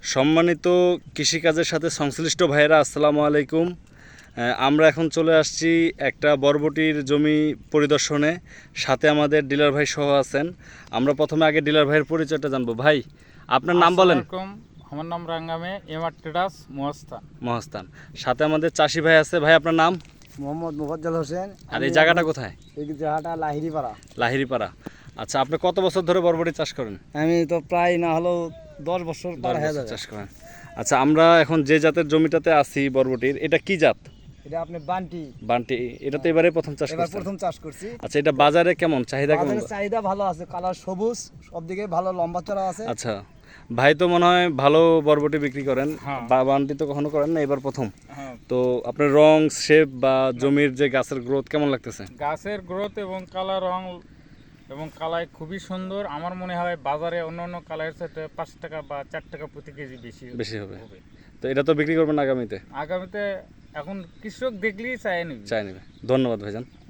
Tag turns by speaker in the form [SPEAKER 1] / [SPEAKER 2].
[SPEAKER 1] সম্মানিত কৃষিকাজের সাথে সংশ্লিষ্ট ভাইয়েরা, আসসালামু আলাইকুম। আমরা এখন চলে আসছি একটা বরবটির জমি পরিদর্শনে। সাথে আমাদের ডিলার ভাই সহ আছেন। আমরা প্রথমে আগে ডিলার ভাইয়ের পরিচয়টা জানবো। ভাই, আপনার নাম বলেন।
[SPEAKER 2] আমার নাম রাঙ্গামে এমআর ট্রেডার্স মহাস্থান।
[SPEAKER 1] মহাস্থান। সাথে আমাদের চাষি ভাই আছে। ভাই, আপনার নাম?
[SPEAKER 3] মোহাম্মদ মুফাজ্জল হোসেন।
[SPEAKER 1] আর এই জায়গাটা কোথায়?
[SPEAKER 3] এই জায়গাটা লাহিড়িপাড়া।
[SPEAKER 1] লাহিড়িপাড়া। আচ্ছা, আপনি কত বছর ধরে বরবটি চাষ করেন?
[SPEAKER 3] আমি তো প্রায় না হলেও 10 বছর পার হয়ে যাবে
[SPEAKER 1] চাষ করেন। আচ্ছা, আমরা এখন যে জাতের জমিটাতে আছি বরবটির, এটা কি জাত?
[SPEAKER 3] এটা আপনি বান্টি।
[SPEAKER 1] বান্টি। এটা তো এবারে প্রথম চাষ
[SPEAKER 3] এবার
[SPEAKER 1] করছেন?
[SPEAKER 3] প্রথম চাষ করছি।
[SPEAKER 1] আচ্ছা, এটা বাজারে কেমন চাহিদা? কেমন
[SPEAKER 3] বাজারে চাহিদা ভালো আছে, কালার সবুজ, সব দিকে ভালো লম্বা চড়া আছে।
[SPEAKER 1] আচ্ছা, ভাই তো মনে হয় ভালো বরবটি বিক্রি করেন।
[SPEAKER 2] হ্যাঁ।
[SPEAKER 1] বান্টি তো কখনো করেন না, এবার প্রথম।
[SPEAKER 2] হ্যাঁ,
[SPEAKER 1] তো আপনার রং, শেপ বা জমির যে গাছের গ্রোথ কেমন লাগতেছে?
[SPEAKER 2] গাছের গ্রোথ এবং কালার, রং এবং কালার খুবই সুন্দর। আমার মনে হয় বাজারে অন্য অন্য কালারের সাথে 5 টাকা বা 4 টাকা প্রতি কেজি বেশি
[SPEAKER 1] হবে। তো এটা তো বিক্রি করবেন আগামীতে?
[SPEAKER 2] আগামীতে এখন কৃষক দেখলেই চায় নিবি।
[SPEAKER 1] চাই নেবে। ধন্যবাদ ভাইজান।